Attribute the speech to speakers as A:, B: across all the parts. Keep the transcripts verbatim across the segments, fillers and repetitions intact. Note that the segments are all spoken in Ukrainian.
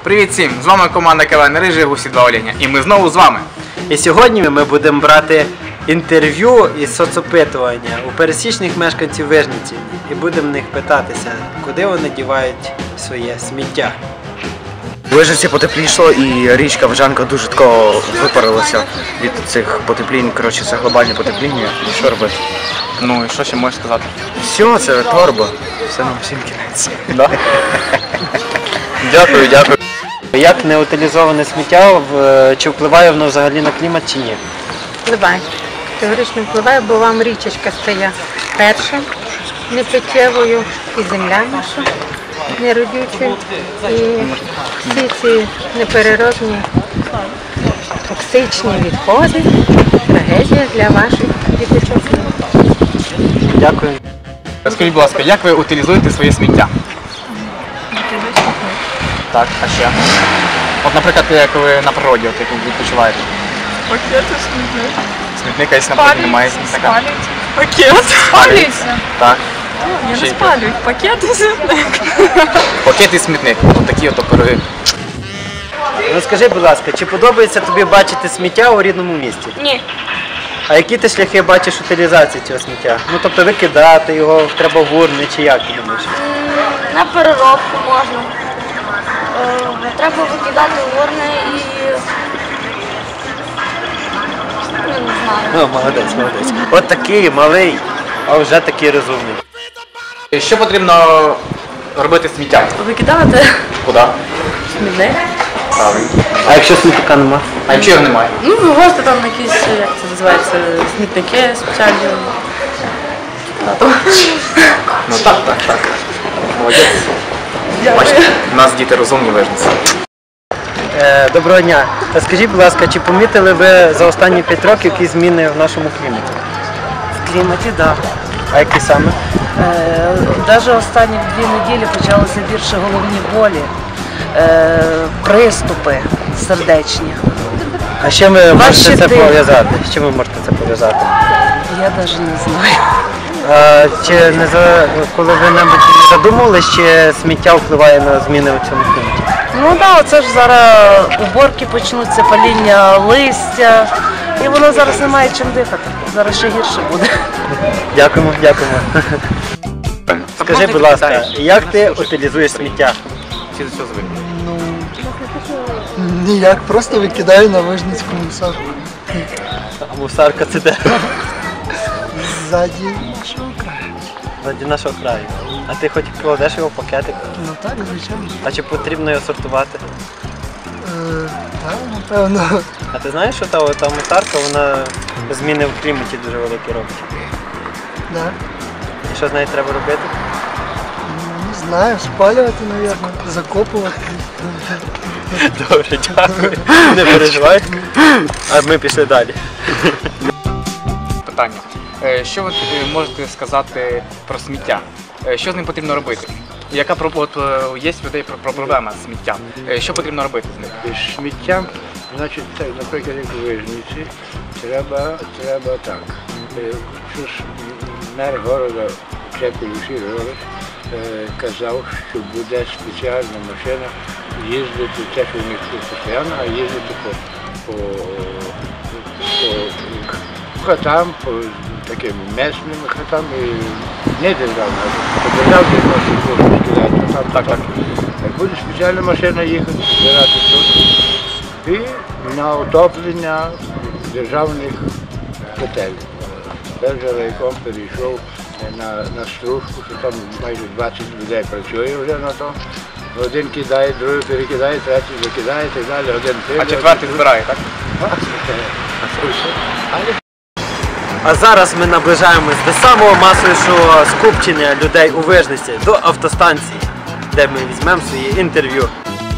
A: Привіт всім! З вами команда КВН Рижі, Гусі два Оленя. І ми знову з вами.
B: І сьогодні ми будемо брати інтерв'ю із соцопитування у пересічних мешканців Вижниці. І будемо в них питатися, куди вони дівають своє сміття.
C: У Вижниці потеплішало і річка Вижанка дуже тако випарилася від цих потеплінь. Коротше, це глобальне потепління. І що робити?
A: Ну і що ще можеш сказати?
C: Все, це торба. Все нам всім кінець.
A: Да? Дякую, дякую.
B: Як неутилізоване сміття, чи впливає воно взагалі на клімат, чи ні?
D: Впливає. Категорично впливає, бо вам річечка стає перша, непиттєвою, і земля наша неродючою. І всі ці непереробні токсичні відходи – трагедія для ваших діточок.
B: Дякую.
A: Скажіть, будь ласка, як ви утилізуєте своє сміття? Так, а ще? От, наприклад, як ви на природі, от, як ви відпочиваєте.
E: Пакети смітник.
A: Смітника, якщо, наприклад, немає смітника.
E: Пакет. Спалюється.
A: Так.
E: Я
A: Ще
E: не
A: й
E: спалюю. Пакет і смітник.
A: Пакет і смітник. Ось такі от пироги.
B: Ну скажи, будь ласка, чи подобається тобі бачити сміття у рідному місті?
E: Ні.
B: А які ти шляхи бачиш утилізації цього сміття? Ну тобто викидати його треба в урни, чи як ти думаєш?
F: На переробку можна. Е, Треба викидати в урни і... Ну, не знаю.
B: Ну, молодець, молодець. От такий малий, а вже такий розумний.
A: Що потрібно робити з сміттям?
E: Викидати
A: Куди?
E: смітник.
A: Правильно.
B: А якщо смітника нема?
A: А якщо його немає?
E: Ну, вивозити там якісь, як це називається, смітники спеціальні.
A: Ну так, так, так. Молодець. Бачите, у нас діти розумні Вижниці.
B: Е, доброго дня. Та скажіть, будь ласка, чи помітили ви за останні п'ять років які зміни в нашому кліматі?
G: В кліматі, так. Да.
B: А які саме?
G: Е, Навіть останні дві неділі почалися більше головні болі, е, приступи сердечні.
B: А з чим ви можете
G: Ваші
B: це
G: ти-
B: пов'язати? З чим ви можете це пов'язати?
G: Я навіть не знаю.
B: А, чи не за коли ви небудь не задумувались, чи сміття впливає на зміни у цьому кліматі?
G: Ну так, да, оце ж зараз уборки почнуться, паління листя, і воно зараз не має чим дихати. Зараз ще гірше буде.
B: Дякуємо, дякуємо. Скажи, будь ласка, як ти утилізуєш сміття?
A: Всі до цього звикли.
H: Ніяк, просто викидаю на Вижницьку мусорку.
B: А мусарка це де?
H: Ззаді нашого краю.
B: Заді нашого краю. А ти хоч кладеш його в пакетик?
H: Ну так, звичайно.
B: А чи потрібно його сортувати?
H: Е, так, напевно.
B: А ти знаєш, що та, та мусарка, вона зміни в кліматі дуже великі робить?
H: Да.
B: І що з нею треба робити?
H: Ну, не знаю, спалювати, мабуть, закопувати.
B: Добре, дякую. Не переживай. А ми пішли далі.
A: Питання. Е, Що ви е, можете сказати про сміття? Е, Що з ним потрібно робити? Яка про- от, е, є в людей про- про проблема з сміттям? Е, Що потрібно робити з ним?
I: Сміття, значить, так, наприклад, як у Вижниці, треба, треба так. Е, Що ж мер города Чепель Григорович е, казав, що буде спеціальна машина їздити, це що в них тут постійно, а їздити по, по, по хатам, по таким місним хатам, і не державна, а по державній можна кидати, там, так, так. Буде спеціальна машина їхати, збирати тут і на отоплення державних готелів. Тепер вже райком перейшов на, на стружку, що там майже двадцять людей працює вже на то. Один кидає, другий перекидає, третій викидає і так далі. Один
A: А
I: прийде,
A: четвертий збирає, так?
B: А зараз ми наближаємось до самого масовішого скупчення людей у Вижниці, до автостанції, де ми візьмемо своє інтерв'ю.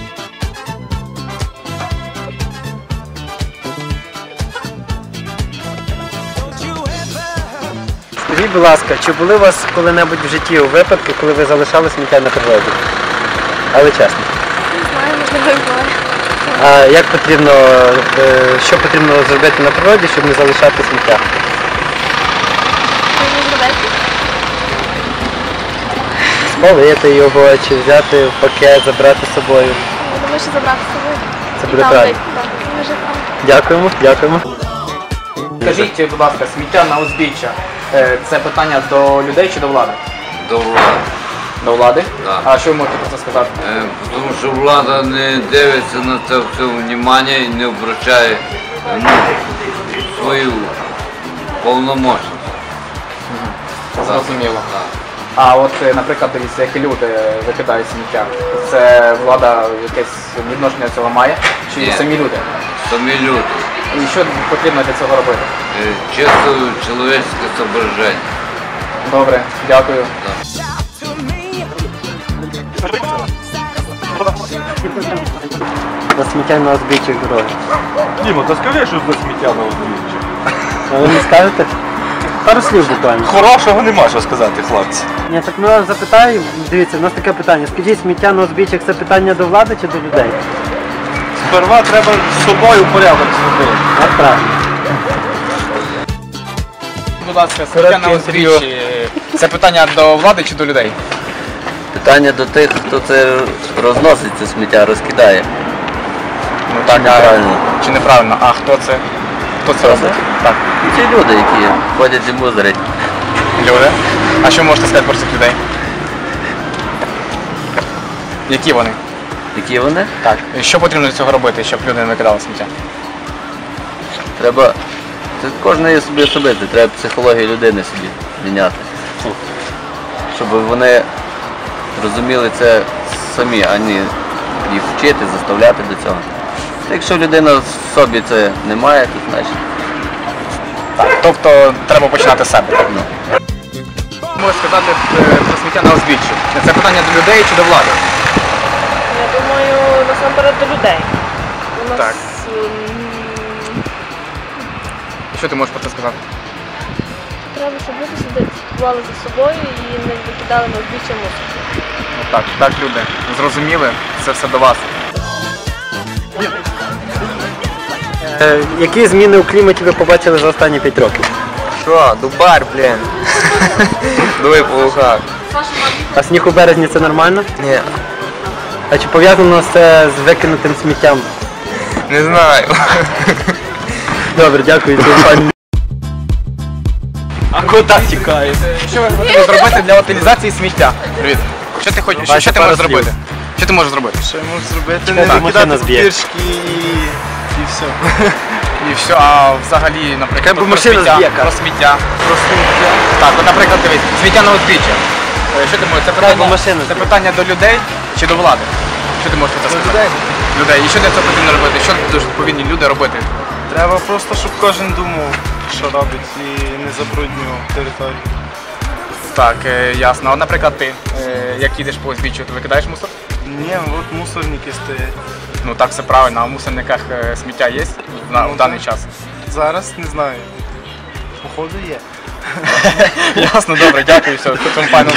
B: Скажіть, будь ласка, чи були у вас коли-небудь в житті у випадку, коли ви залишали сміття на природі? Але чесно.
F: Не знаю, можливо, і буває.
B: А як потрібно, е, що потрібно зробити на природі, щоб не залишати сміття? Спалити його, чи взяти в пакет, забрати з собою.
F: Я думаю, що забрати з собою.
B: Це
F: І
B: буде
F: там
B: правильно.
F: десь, так, і вже там.
B: Дякуємо, дякуємо.
A: Скажіть, будь ласка, сміття на узбіччя е, це питання до людей чи до влади?
J: До влади.
A: До влади?
J: Так.
A: А що ви можете про це сказати?
J: Е, Тому що влада не дивиться на це все внимання і не обращає ну, свою повномочність.
A: Зрозуміло.
J: Так.
A: А от, е, наприклад, дивіться, які люди викидають сміття. Це влада якесь відношення до цього має? Чи
J: Ні.
A: самі люди?
J: Самі люди.
A: І що потрібно для цього робити?
J: Е, Чисто чоловічське зображення.
A: Добре, дякую.
B: За сміття на узбіччях дороги.
K: Діма, та скажи, що за сміття на узбіччі.
B: А ви не скажете? Пару слів буквально.
K: Хорошого нема що сказати, хлопці.
B: Ні, так ми вас запитаємо. Дивіться, у нас таке питання. Скажіть, сміття на узбіччях це питання до влади чи до людей?
K: Сперва треба з собою порядок зробити.
B: От правильно.
A: Будь ласка, сміття на узбіччі це питання до влади чи до людей?
J: Питання до тих, хто це розносить, це сміття, розкидає.
A: Ну так,
J: неправильно.
A: Чи неправильно? А хто це? Хто це робить? Так.
J: Ці люди, які ходять і мусорять.
A: Люди. А що можете сказати про цих людей? Які вони?
J: Які вони?
A: Так. І що потрібно для цього робити, щоб люди не викидали сміття?
J: Треба. Це кожен є собі особистий, треба психологію людини собі міняти. Щоб вони розуміли це самі, а не їх вчити, заставляти до цього. Якщо людина в собі це не має, то значить.
A: Так. Тобто треба починати з себе.
J: Ну.
A: Можу сказати е, про сміття на узбіччі. Це питання до людей чи до влади?
E: Я думаю, насамперед до людей. У нас
A: Так.
E: м,
A: Що ти можеш про це сказати?
F: Треба, щоб люди сюди слідкували за собою і не викидали на узбіччя мусор.
A: Ну, так, так, люди. Зрозуміли, це все до вас.
B: Е, які зміни у кліматі ви побачили за останні п'ять років?
C: Що, дубар, блін. Дує по ухах.
B: А сніг у березні це нормально?
C: Ні,
B: А чи пов'язано це з викинутим сміттям?
C: не знаю.
B: Добре, дякую. Це пані.
K: А куди тікає?
A: Що ви хочете зробити для утилізації сміття? Привіт. Що ти хочеш? Що, що ти
B: пару
A: можеш
B: слів.
A: зробити? Що ти можеш зробити?
K: Що я можу зробити?
B: Чекай,
K: Не
B: машина
K: викидати
B: зб'є.
K: папіршки і... і все.
A: І все, а взагалі, наприклад,
B: Хай би
A: про
B: машина
A: сміття,
B: зб'є,
A: про сміття.
K: Про сміття.
A: Так, от, наприклад, дивись, сміття на узбіччя. Е, Що ти можеш? Це
B: би
A: питання,
B: машина
A: це
B: зб'є.
A: питання до людей чи до влади? Що ти можеш про це сказати?
K: людей.
A: Людей. І що для цього потрібно робити? Що дуже повинні люди робити?
K: Треба просто, щоб кожен думав, що робить, і не забруднював територію.
A: Так, е, ясно. От, наприклад, ти, е, як їдеш по узбіччю, ти викидаєш мусор?
K: Ні, от мусорники стоять.
A: Ну так, все правильно, а в мусорниках е, сміття є на,
K: Ну,
A: в даний
K: так.
A: час?
K: Зараз не знаю. Походу є.
A: Ясно, добре, дякую, все, цьому пану.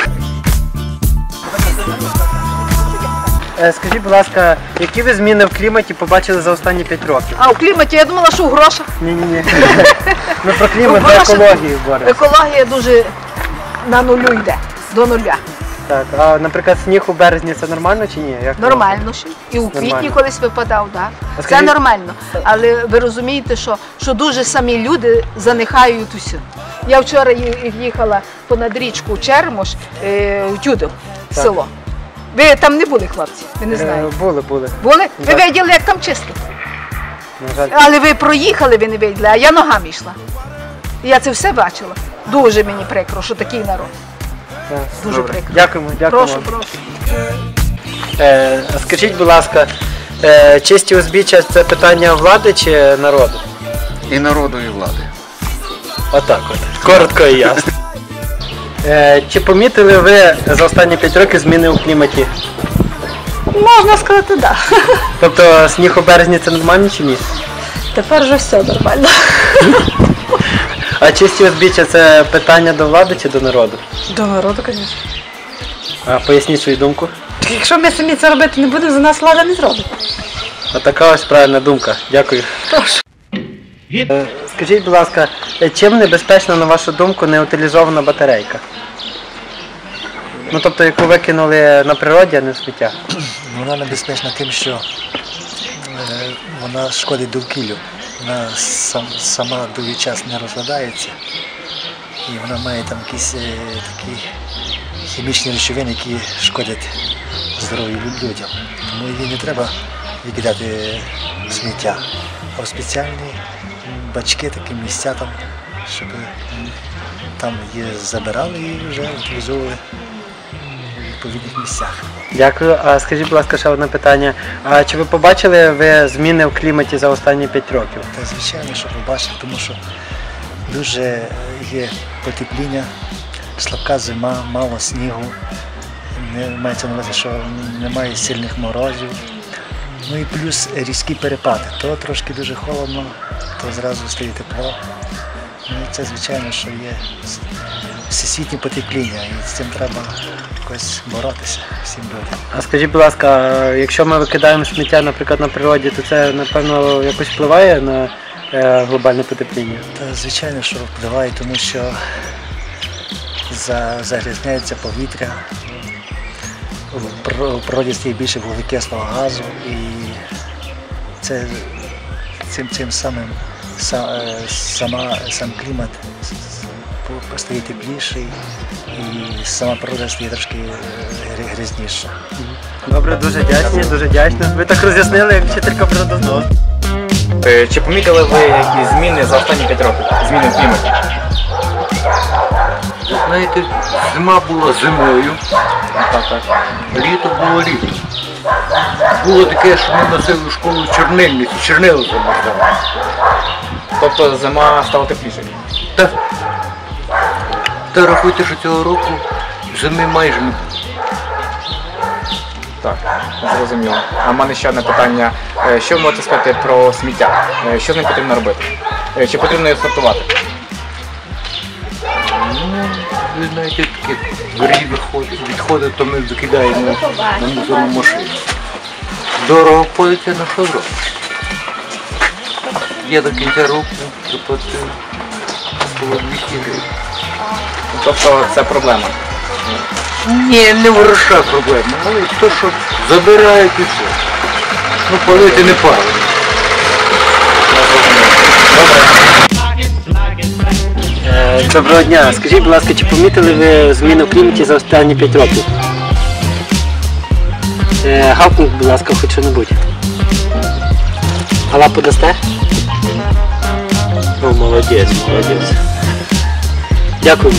B: Е, Скажіть, будь ласка, які ви зміни в кліматі побачили за останні п'ять років?
L: А у кліматі я думала, що у грошах.
B: Ні-ні-ні. Ми про клімат,
L: Ну,
B: за
L: гроші-
B: екологію боремося.
L: Екологія дуже на нулю йде, до нуля.
B: Так, а наприклад, сніг у березні це нормально чи ні? Як
L: Нормально ще. І у квітні
B: Нормально.
L: колись випадав, так.
B: А
L: Це
B: скажіть-
L: нормально. Але ви розумієте, що, що дуже самі люди занихають усе. Я вчора ї- їхала понад річку Чермош е, в Тюдов,
B: Так.
L: село. Ви там не були, хлопці? Ви не
B: Е,
L: знаєте.
B: Були, були.
L: Були? Ви
B: Так.
L: бачили, як там чисто.
B: На жаль.
L: Але ви проїхали, ви не виділи, а я ногами йшла. І я це все бачила. Дуже мені прикро, що такий народ.
B: Так.
L: Дуже
B: Добре.
L: прикро.
B: Дякуємо, дякуємо.
L: Прошу, прошу.
B: Е, а скажіть, будь ласка, е, чисті узбіччя це питання влади чи народу?
C: І народу, і влади.
B: Отак от. Коротко і ясно. Е, чи помітили ви за останні п'ять років зміни у кліматі?
L: Можна сказати, так.
B: Тобто сніг у березні це нормально чи ні?
L: Тепер вже все нормально.
B: А чисті узбіччя це питання до влади чи до народу?
E: До народу, звісно.
B: А поясніть свою думку.
E: Якщо ми самі це робити не будемо, за нас влада не зробить.
B: Отака ось правильна думка. Дякую.
E: Прошу.
B: Е, Скажіть, будь ласка, е, чим небезпечна, на вашу думку, неутилізована батарейка? Ну тобто, яку викинули на природі, а не в сміття?
H: Вона небезпечна тим, що е, вона шкодить довкіллю. Вона сам, сама довгий час не розкладається. І вона має там якісь е, такі хімічні речовини, які шкодять здоров'ю людям. Тому її не треба викидати в сміття, а в спеціальні бачки, такі місця там, щоб там її забирали і вже утилізовували в відповідних місцях.
B: Дякую. А скажіть, будь ласка, ще одне питання. А чи ви побачили ви зміни в кліматі за останні п'ять років?
H: Та звичайно, що побачив, тому що дуже є потепління, слабка зима, мало снігу, не мається на увазі, що немає сильних морозів. Ну і плюс різкі перепади. То трошки дуже холодно, то зразу стає тепло. Ну і це, звичайно, що є всесвітнє потепління, і з цим треба якось боротися всім людям.
B: А скажіть, будь ласка, якщо ми викидаємо сміття, наприклад, на природі, то це, напевно, якось впливає на е, глобальне потепління?
H: Та, звичайно, що впливає, тому що за, загрязняється повітря, в природі стає більше вуглекислого газу, і це цим, цим самим са, сама, сам клімат стає тепліший, і сама природа стає трошки грязніша.
B: Добре, дуже дякую, дуже дякую. Ви так роз'яснили, як вчителька природознавства.
A: Чи помітили ви якісь зміни за останні п'ять років? Зміни в кліматі?
I: Знаєте, зима була зимою,
A: Так, так.
I: літо було літо. Було таке, що ми носили в школу чорнильниці, чорнило замерзали.
A: Тобто зима стала теплішою?
I: Так. Та рахуйте, що цього року зими майже не було.
A: Так, зрозуміло. А в мене ще одне питання. Е, Що ви можете сказати про сміття? Е, Що з ним потрібно робити? Е, Чи потрібно його сортувати?
I: Ну, ви знаєте, такі дворі виходять, відходи, то ми викидаємо на мусорну машину. Дорого обходиться, на що зробиш? Я до кінця року заплатив було двісті гривень.
A: Тобто це проблема?
I: Ні, не в грошах проблема, але то, що забирають і все. Ну, палити не палити.
B: Е, Доброго дня. Скажіть, будь ласка, чи помітили ви зміни в кліматі за останні п'ять років? Е, Гавкніть, будь ласка, хоч що-небудь. А лапу дасте? О, молодець, молодець. Дякую.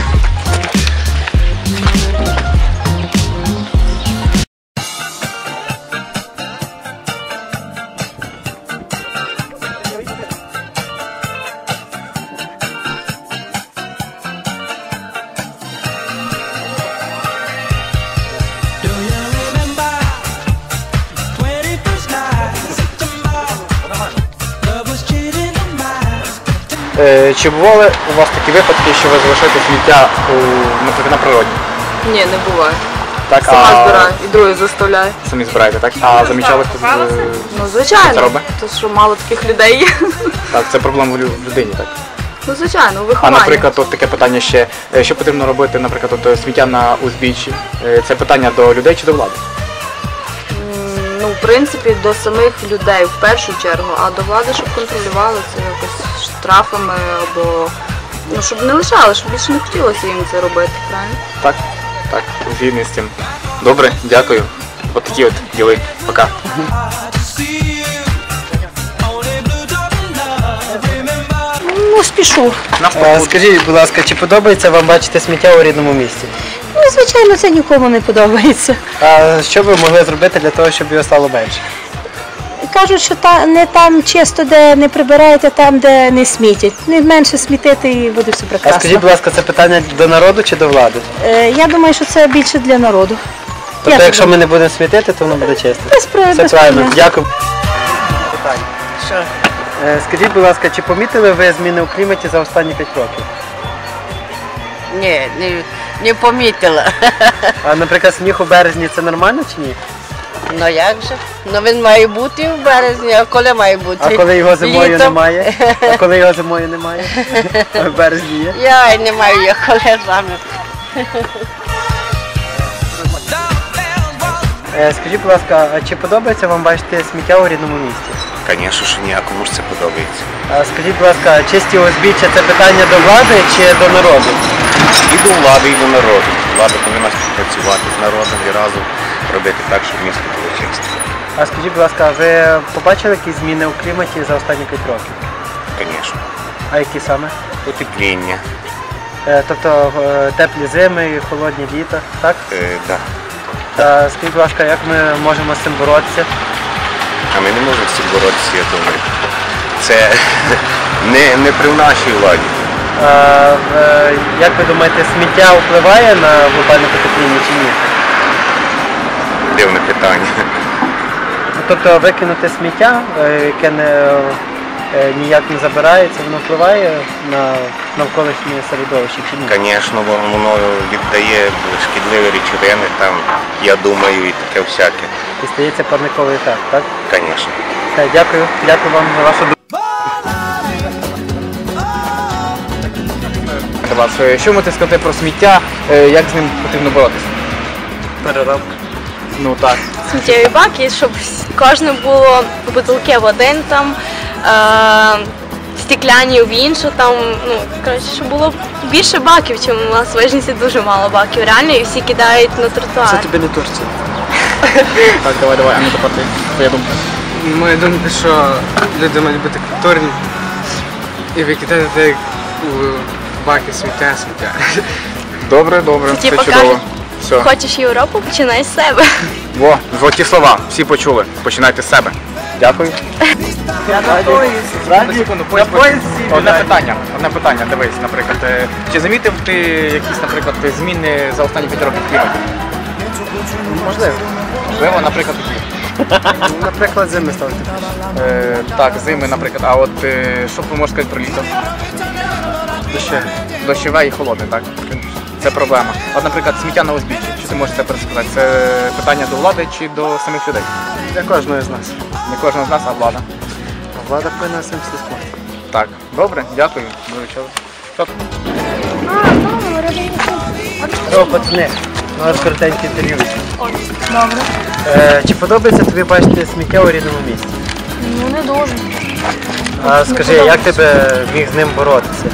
A: Е, Чи бували у вас такі випадки, що ви залишаєте сміття у, наприклад, на природі?
E: Ні, не буває.
A: Так,
E: Сама
A: а...
E: збираю і других заставляю.
A: Самі збираєте, так? А замічали хтось? е,
E: Ну,
A: Хто це
E: звичайно,
A: робить?
E: то що мало таких людей є.
A: Так, це проблема в лю- в людині, так?
E: Ну, звичайно, у
A: А,
E: вихованні.
A: наприклад, от таке питання ще, е, що потрібно робити, наприклад, от, сміття на узбіччі? Е, Це питання до людей чи до влади?
E: М, Ну, в принципі, до самих людей в першу чергу, а до влади, щоб контролювали це якось штрафами або ну, щоб не лишали, щоб більше не хотілося їм це робити, правильно?
A: Так, так, згідний з цим. Добре, дякую. От такі от діли. Пока.
L: Ну, спішу.
B: Е, Скажіть, будь ласка, чи подобається вам бачити сміття у рідному місті?
L: Ну, звичайно, це нікому не подобається.
B: А що ви могли зробити для того, щоб його стало менше?
L: Кажуть, що та, не там чисто, де не прибирають, а там, де не смітять. Не менше смітити і буде все
B: А
L: прекрасно.
B: скажіть, будь ласка, це питання до народу чи до влади?
L: Е, я думаю, що це більше для народу.
B: Тобто,
L: Я
B: якщо
L: думаю.
B: ми не будемо смітити, то воно буде чисто.
L: Без про-
B: Все
L: без
B: правильно.
L: проблем.
B: Дякую.
G: Що?
B: Е, Скажіть, будь ласка, чи помітили ви зміни у кліматі за останні п'ять років?
G: Ні, не, не помітила.
B: А, наприклад, сніг у березні це нормально чи ні?
G: Ну як же? Ну він має бути в березні, а коли має бути?
B: А коли його зимою
G: Літом.
B: немає? А коли його зимою немає? А в березні є?
G: Я не маю я коли саме.
B: Е, Скажіть, будь ласка, а чи подобається вам бачити сміття у рідному місті?
M: Звісно, що ні, а кому ж це подобається.
B: А скажіть, будь ласка, чисті узбіччя – це питання до влади чи до народу?
M: І до влади, і до народу. Влада повинна співпрацювати з народом і разом робити так, щоб місто було чисте.
B: А скажіть, будь ласка, ви побачили якісь зміни у кліматі за останні п'ять років?
M: Звісно.
B: А які саме?
M: Потепління.
B: Е, Тобто е, теплі зими і холодні літа, так?
M: Е, да.
B: А скажіть, будь ласка, як ми можемо з цим боротися?
M: А ми не можемо з цим боротися, я думаю. Це не, не при нашій владі.
B: А, е, як ви думаєте, сміття впливає на глобальне потепління чи ні?
M: Дивне питання.
B: Тобто викинути сміття, е, яке не, е, ніяк не забирається, воно впливає на навколишнє середовище чи ні?
M: Звісно, воно віддає шкідливі речовини, там, я думаю, і таке всяке.
B: І стається парниковий ефект, так?
M: Звісно.
B: Все, дякую. Дякую вам за вашу думку.
A: Вас. Що можете сказати про сміття, е, як з ним потрібно боротися?
B: Переробка.
A: Ну так.
F: Сміттєві баки, щоб кожне було бутилки в один там, е- стекляні в іншу там, ну, коротше, щоб було більше баків, чим у нас в Вижниці дуже мало баків, реально, і всі кидають на тротуар.
B: Це тобі не Турція.
A: Так, давай, давай, а не тепер ти. Твоя думка.
N: Моя думка, що люди мають бути культурні і викидати у баки сміття, сміття.
A: Добре, добре,
F: Це
A: все
F: типу
A: чудово.
F: кажуть,
A: Все.
F: хочеш Європу, починай з себе.
A: Во, золоті слова, всі почули. Починайте з себе. Дякую.
B: Я на поїзд.
A: Одну секунду, поїзд, поїзд. Одне питання, одне питання, дивись, наприклад, е, чи замітив ти якісь, наприклад, зміни за останні п'ять років в кліматі?
B: Можливо.
A: Можливо, наприклад, які?
B: Наприклад, зими стали тепліше.
A: Е, так, зими, наприклад, а от е, що ви можете сказати про літо?
B: Дощеве.
A: Дощове і холодне, так? Це проблема. От, наприклад, сміття на узбіччі. Що ти можеш це пересказати? Це питання до влади чи до самих людей?
B: Для кожного з нас.
A: Не кожного з нас, а влада.
B: А влада повинна цим слідкувати.
A: Так, добре, дякую. До вечора. Що тут?
B: О, пацани, у нас коротеньке інтерв'ю.
O: Добре.
B: Е, чи подобається тобі бачити сміття у рідному місті?
O: Ну не дуже.
B: А скажи, як тебе міг з ним боротися?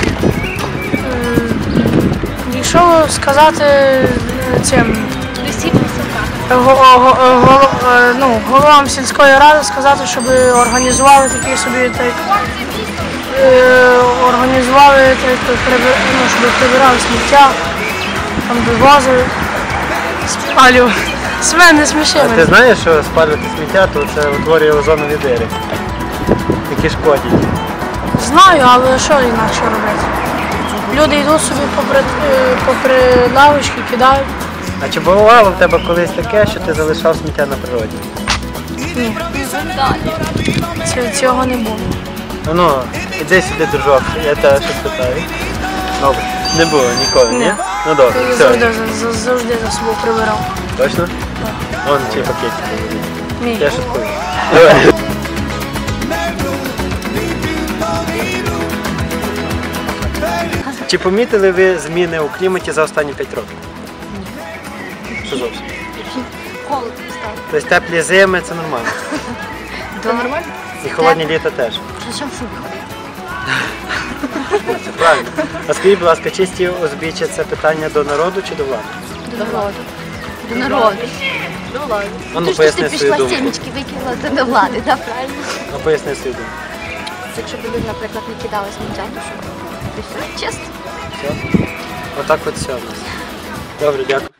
O: Якщо сказати цим го- го- го- е, ну, головам сільської ради сказати, щоб організували такі собі так, е, організували так, так, прибир- ну, щоб прибирали сміття, там вивозили, спалювали. Себе не сміши
B: А ти
O: мене.
B: знаєш, що спалювати сміття, то це утворює озонові дири, які шкодять.
O: Знаю, але що інакше робити? Люди йдуть собі попри, е, попри лавочки, кидають.
B: А чи бувало в тебе колись таке, що ти залишав сміття на природі?
O: Ні. Ці- Цього не було.
B: Ну, ну, іди сюди, дружок, я тебе щось питаю. Добре. Не було ніколи, ні?
O: Ні.
B: Ну добре,
O: Я
B: все.
O: завжди, за- завжди за собою прибирав.
B: Точно? Вон чий пакетик.
O: Мій.
B: Я шуткую. Давай. Чи помітили ви зміни у кліматі за останні п'ять років? Що зовсім?
F: Холодно стало.
B: Тобто теплі зими це нормально.
F: Це нормально?
B: І холодні літа теж.
F: Що в шубі ходити?
B: Це правильно. А скажіть, будь ласка, чисті узбіччя це питання до народу чи до влади?
F: До народу. До народу. До влади.
B: А ну,
F: Ти ж
B: поясни
F: ти
B: свою
F: пішла
B: думку.
F: сімечки викинула, це до влади, так, правильно?
B: Ну, поясни свою думку.
F: Якщо б люди, наприклад, не кидали сміття, то що? Ти все чисто.
B: Все? Отак от все у нас. Добре, дякую.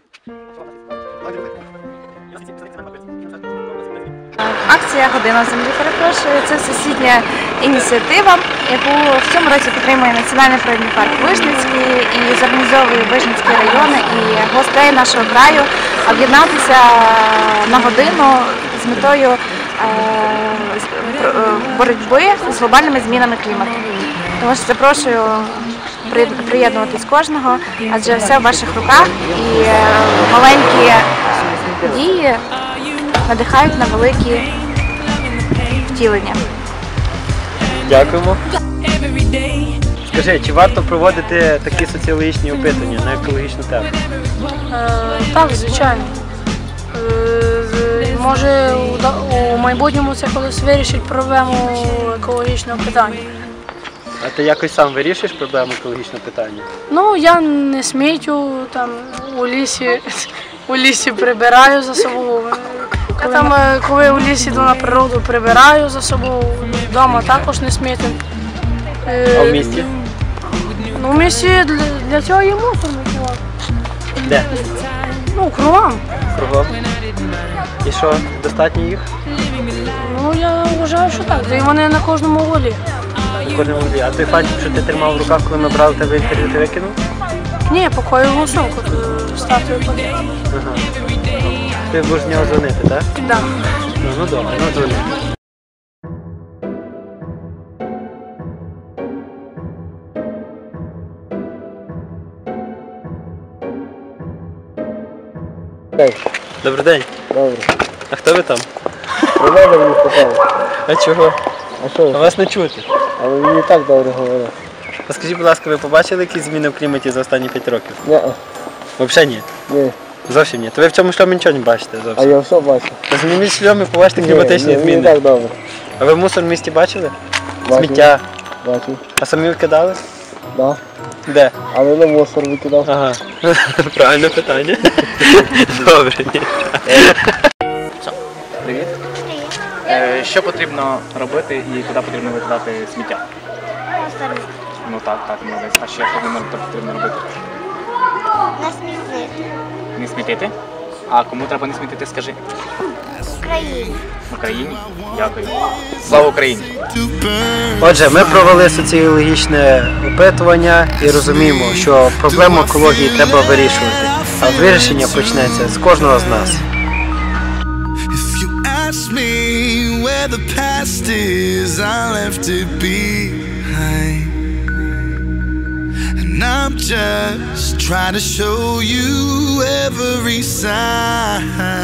P: Акція «Година землі», перепрошую, це всесвітня ініціатива, яку в цьому році підтримує Національний природний парк Вижницький і зорганізовує Вижницький район і гостей нашого краю об'єднатися на годину з метою е, з- про- е, боротьби з глобальними змінами клімату. Тому що запрошую при- приєднуватись кожного, адже все в ваших руках і е, маленькі е, дії надихають на великі втілення.
B: Дякуємо. Скажи, чи варто проводити такі соціологічні опитування на екологічну тему?
O: Е, так, звичайно. е, може у, да- у майбутньому це колись вирішить проблему екологічного питання.
B: А ти якось сам вирішуєш проблему екологічного питання?
O: Ну, я не смітю, там у лісі, у лісі прибираю за собою. Я там, е, коли у лісі йду на природу, прибираю за собою, вдома також не смітю. Е,
B: А в місті?
O: Ну, в місті для, для цього є мусор викидати.
B: Де?
O: Ну, кругом.
B: Кругом. І що, достатньо їх?
O: Ну, я вважаю, що так. І вони на кожному волі.
B: На кожному вуглі. А той фантик, що ти тримав в руках, коли ми брали тебе інтерв'ю, ти викинув?
O: Ні, покою голосовку статую подати.
B: Ага. Ти будеш з нього дзвонити, так?
O: Так.
B: Ну, ну добре, ну дзвони. Добрий день.
Q: Добре.
B: А хто ви там?
Q: Проблеми мені сказали.
B: А чого?
Q: А що?
B: А вас не чути.
Q: Але мені так добре говорять.
B: А скажіть, будь ласка, ви побачили якісь зміни в кліматі за останні п'ять років?
Q: Ні.
B: Взагалі ні?
Q: Ні.
B: Зовсім ні. То ви в цьому шльомі нічого не бачите
Q: А
B: зовсім?
Q: я все бачу.
B: Та зніміть шльом і побачите
Q: Ні,
B: кліматичні
Q: ні,
B: зміни.
Q: мені так добре.
B: А ви мусор в місті бачили?
Q: Бачив.
B: Сміття.
Q: Бачу.
B: А самі викидали?
Q: Да.
B: Де?
Q: Але на мусор викидав.
B: Ага. Правильне питання. Добре. ні.
A: Привіт. Е, Що потрібно робити і куди потрібно викидати сміття? Ну так, так, молодець. А ще що не потрібно робити?
R: Не смітити.
A: Не смітити? А кому треба не смітити, скажи?
R: Україні.
A: Україні? Дякую. Слава Україні!
B: Отже, ми провели соціологічне опитування і розуміємо, що проблему екології треба вирішувати. А вирішення почнеться з кожного з нас.
S: Ask me where the past is, I left it behind. And I'm just trying to show you every sign.